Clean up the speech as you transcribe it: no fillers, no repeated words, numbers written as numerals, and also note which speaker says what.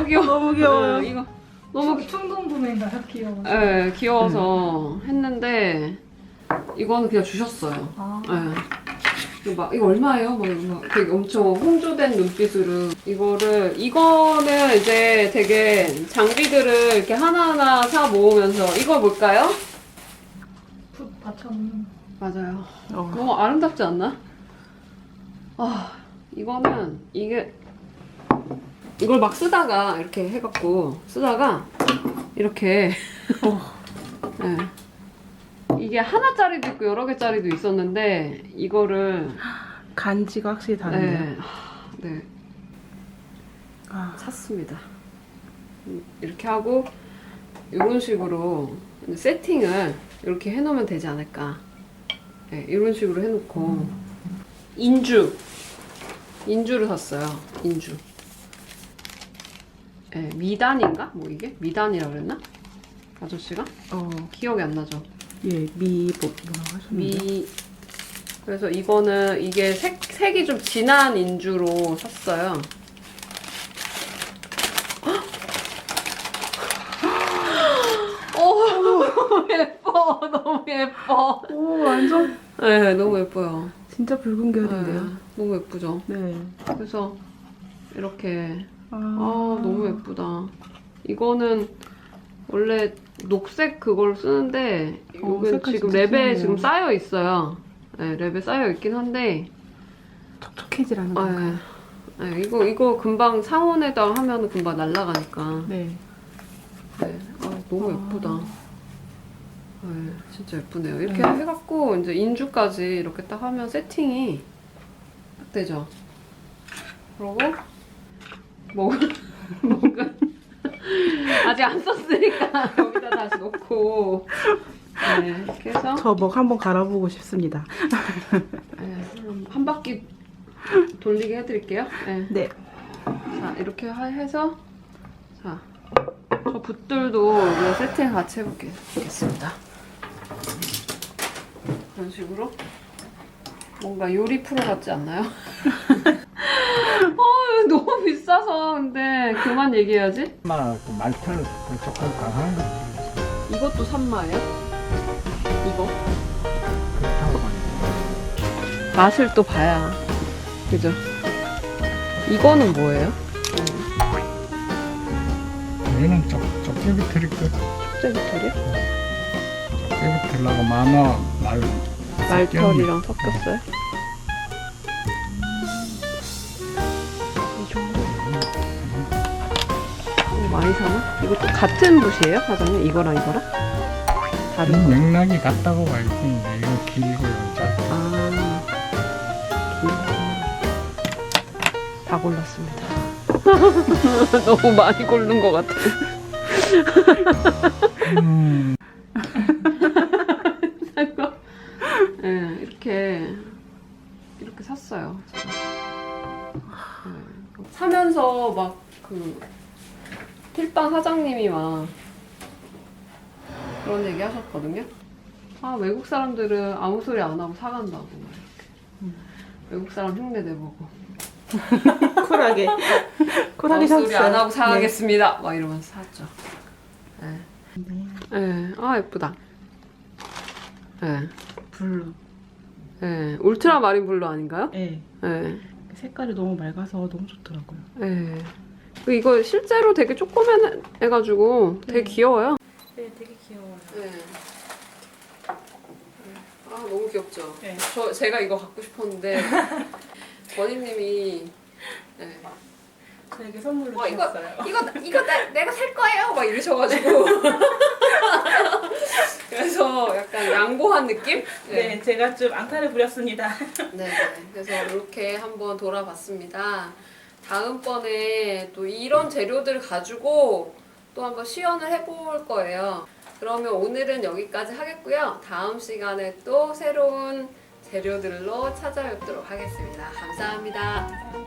Speaker 1: 너무 귀여워.
Speaker 2: 너무 귀여워요.
Speaker 1: 네, 이거 너무
Speaker 2: 충동 구매인가요? 귀여워.
Speaker 1: 네, 귀여워서 했는데 이거는 그냥 주셨어요.
Speaker 2: 아.
Speaker 1: 네. 이거 얼마예요? 막 되게 엄청 홍조된 눈빛으로 이거는 이제 되게 장비들을 이렇게 하나하나 사 모으면서 이거 뭘까요?
Speaker 2: 붓 받쳐놓는.
Speaker 1: 맞아요. 너무 아름답지 않나? 이거는 이걸 막 쓰다가 이렇게 해갖고 쓰다가 이렇게 네. 이게 하나짜리도 있고 여러 개짜리도 있었는데 이거를
Speaker 2: 간지가 확실히 다른데요.
Speaker 1: 네. 샀습니다. 이렇게 하고 이런 식으로 세팅을 이렇게 해놓으면 되지 않을까. 네, 이런 식으로 해놓고 인주를 샀어요. 인주. 네, 미단인가? 뭐 이게? 미단이라 그랬나? 아저씨가? 기억이 안 나죠?
Speaker 2: 예, 뭐라고 하셨는데?
Speaker 1: 그래서 이게 색이 좀 진한 인주로 샀어요. 너무 예뻐. 너무 예뻐.
Speaker 2: 오, 완전.
Speaker 1: 네, 너무 예뻐요.
Speaker 2: 진짜 붉은 계열인데요.
Speaker 1: 네, 너무 예쁘죠?
Speaker 2: 네.
Speaker 1: 그래서 이렇게 너무 예쁘다. 이거는 원래 녹색 그걸 쓰는데 이건 지금 랩에 지금 쌓여 있어요. 네, 랩에 쌓여 있긴 한데
Speaker 2: 촉촉해지라는 건가요?
Speaker 1: 네, 이거 금방 상온에다 하면 금방 날아가니까.
Speaker 2: 네.
Speaker 1: 네, 너무 예쁘다. 네, 진짜 예쁘네요. 이렇게 해갖고 이제 인주까지 이렇게 딱 하면 세팅이 딱 되죠. 그러고 먹은 아직 안 썼으니까 여기다 다시 놓고 이렇게 해서
Speaker 2: 저 먹 한번 갈아보고 싶습니다.
Speaker 1: 한 바퀴 돌리게 해드릴게요.
Speaker 2: 네.
Speaker 1: 자, 이렇게 해서 자, 저 붓들도 이거 세팅 같이 해보겠습니다. 이런 식으로 뭔가 요리 프로 같지 않나요? 너무 비싸서 근데 그만 얘기해야지.
Speaker 3: 말털 조금 강한 거
Speaker 1: 이것도 산마예요? 이거?
Speaker 3: 그렇다고 봐요.
Speaker 1: 맛을 또 봐야 그죠? 이거는 뭐예요?
Speaker 3: 얘는 쪽제비털일 것.
Speaker 1: 쪽제비털이요?
Speaker 3: 쪽제비털하고 만화
Speaker 1: 말털이랑 섞였어요? 이 정도? 이거 많이 사나? 이것도 같은 붓이에요, 사장님? 이거랑 이거랑? 다른 거?
Speaker 3: 맥락이 같다고 봐야지. 이건 길고 이건 짧고.
Speaker 1: 다 골랐습니다. 너무 많이 고른 것 같아. 네, 이렇게 샀어요. 제가. 네. 사면서 막 필방 사장님이 막 그런 얘기 하셨거든요. 외국 사람들은 아무 소리 안 하고 사간다고 막 이렇게. 외국 사람 흉내 내보고.
Speaker 2: 쿨하게
Speaker 1: 아무
Speaker 2: 샀어요.
Speaker 1: 소리 안 하고 사가겠습니다. 막 이러면서 샀죠. 네. 예쁘다. 네.
Speaker 2: 블루.
Speaker 1: 네. 울트라 마린 블루 아닌가요?
Speaker 2: 네.
Speaker 1: 네.
Speaker 2: 색깔이 너무 맑아서 너무 좋더라고요.
Speaker 1: 네. 이거 실제로 되게 조그만해가지고 되게 귀여워요.
Speaker 2: 네, 되게 귀여워요.
Speaker 1: 네. 너무 귀엽죠?
Speaker 2: 네.
Speaker 1: 제가 이거 갖고 싶었는데 버니님이 네.
Speaker 2: 저에게 선물로
Speaker 1: 이거
Speaker 2: 주셨어요.
Speaker 1: 내가 살 거예요! 막 이러셔가지고 그래서 약간 양보한 느낌?
Speaker 2: 네, 제가 좀 앙탈을 부렸습니다.
Speaker 1: 네, 그래서 이렇게 한번 돌아봤습니다. 다음번에 또 이런 재료들을 가지고 또 한번 시연을 해볼 거예요. 그러면 오늘은 여기까지 하겠고요. 다음 시간에 또 새로운 재료들로 찾아뵙도록 하겠습니다. 감사합니다.